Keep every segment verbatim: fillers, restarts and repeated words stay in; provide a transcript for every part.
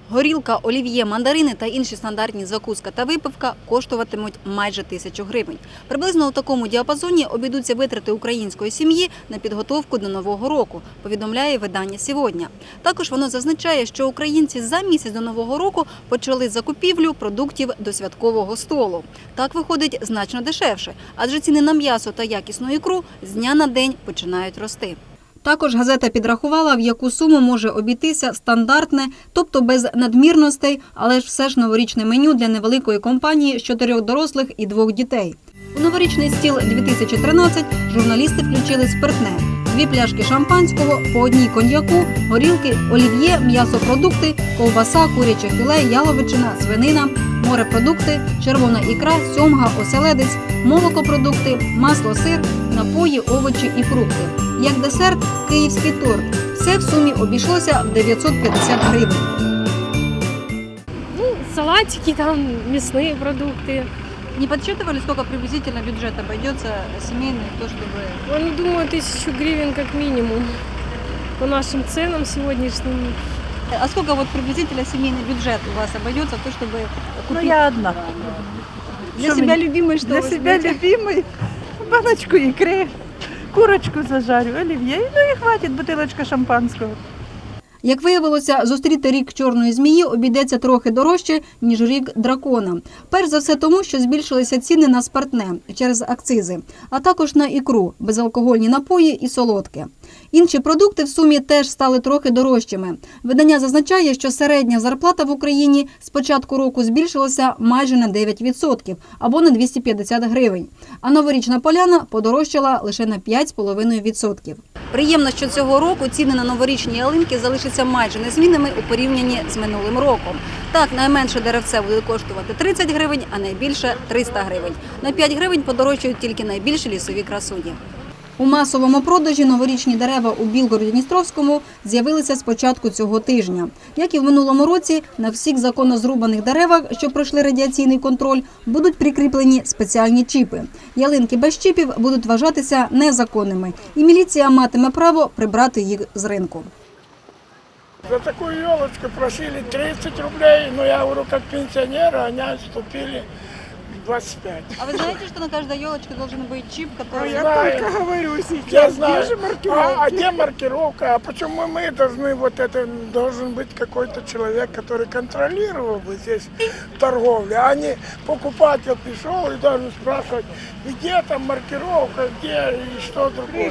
Горілка, олів'є, мандарини та інші стандартні закуска та випивка коштуватимуть майже тисячу гривень. Приблизно у такому діапазоні обійдуться витрати української сім'ї на підготовку до Нового року, повідомляє видання «Сьогодні». Також воно зазначає, що українці за місяць до Нового року почали закупівлю продуктів до святкового столу. Так виходить значно дешевше, адже ціни на м'ясо та якісну ікру з дня на день починають рости. Також газета підрахувала, в яку суму може обійтися стандартне, тобто без надмірностей, але ж все ж новорічне меню для невеликої компанії з чотирьох дорослих і двох дітей. У новорічний стіл дві тисячі тринадцять журналісти включили спиртне. Дві пляшки шампанського, по одній коньяку, горілки, олів'є, м'ясопродукти, ковбаса, куряче філе, яловичина, свинина, морепродукти, червона ікра, сьомга, оселедець, молокопродукти, масло, сир, напої, овочі і фрукти. Як десерт – київський торт. Все в сумі обійшлося в дев'ятсот п'ятдесят гривень. Ну, салатики, там, мясные продукты. Не подсчитывали, сколько приблизительно бюджет обойдется семейный, то чтобы… Ну, думаю, тысячу гривен как минимум по нашим ценам сегодняшним. А сколько вот приблизительно семейный бюджет у вас обойдется, то чтобы купить… Ну, я одна. Для Что себя мне- любимый, что Для вы себя возьмете? любимый баночку икры, курочку зажарю, оливье, ну и хватит бутылочка шампанского. Як виявилося, зустріти рік чорної змії обійдеться трохи дорожче, ніж рік дракона. Перш за все тому, що збільшилися ціни на спиртне через акцизи, а також на ікру, безалкогольні напої і солодке. Інші продукти в сумі теж стали трохи дорожчими. Видання зазначає, що середня зарплата в Україні з початку року збільшилася майже на дев'ять відсотків або на двісті п'ятдесят гривень. А новорічна поляна подорожчала лише на п'ять цілих п'ять десятих відсотка. Приємно, що цього року ціни на новорічні ялинки залишаться майже незмінними у порівнянні з минулим роком. Так, найменше деревце буде коштувати тридцять гривень, а найбільше – триста гривень. На п'ять гривень подорожчають тільки найбільші лісові красуні. У масовому продажі новорічні дерева у Білгороді-Дністровському з'явилися з початку цього тижня. Як і в минулому році, на всіх законно зрубаних деревах, що пройшли радіаційний контроль, будуть прикріплені спеціальні чіпи. Ялинки без чіпів будуть вважатися незаконними, і міліція матиме право прибрати їх з ринку. За такую елочку просили тридцать рублей, но я говорю, как пенсионеры, они отступили двадцать пять. А ви знаєте, що на кожній елочці має бути чіп, який… Я только говорю сейчас. Я знаю. А, а где маркировка? А почему мы должны, вот это, должен быть какой-то человек, который контролировал бы здесь торговлю, а не покупатель пришел и должен спрашивать, где там маркировка, где и что другое.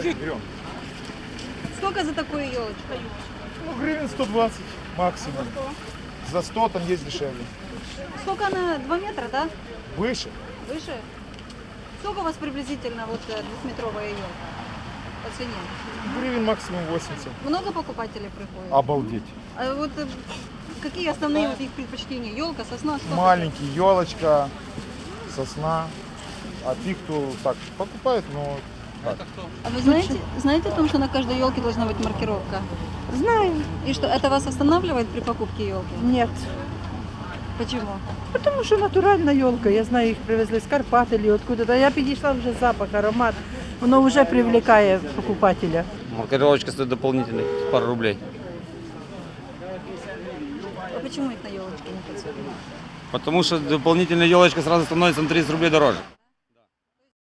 Скільки за таку елочку? Ну, гривен сто двадцать максимум. За сто там есть дешевле. Сколько она? два метра, да? Выше. Выше? Сколько у вас приблизительно вот э, двухметровая елка по цене? Гривен максимум восемьдесят. Много покупателей приходит? Обалдеть. А вот э, какие основные вот их предпочтения? Елка, сосна, что? Маленький, елочка, сосна. А те, кто так покупает, но так. А вы знаете, знаете о том, что на каждой елке должна быть маркировка? Знаю. И что, это вас останавливает при покупке елки? Нет. Почему? Потому что натуральна елка. Я знаю, їх привезли з Карпат или откуда-то. Я підійшла вже запах, аромат. Воно вже привлекає покупателя. Маркировочка стоит дополнительных пару рублей. А почему их на елочке не подсовывают? Потому что дополнительная елочка сразу становится на тридцать рублей дороже.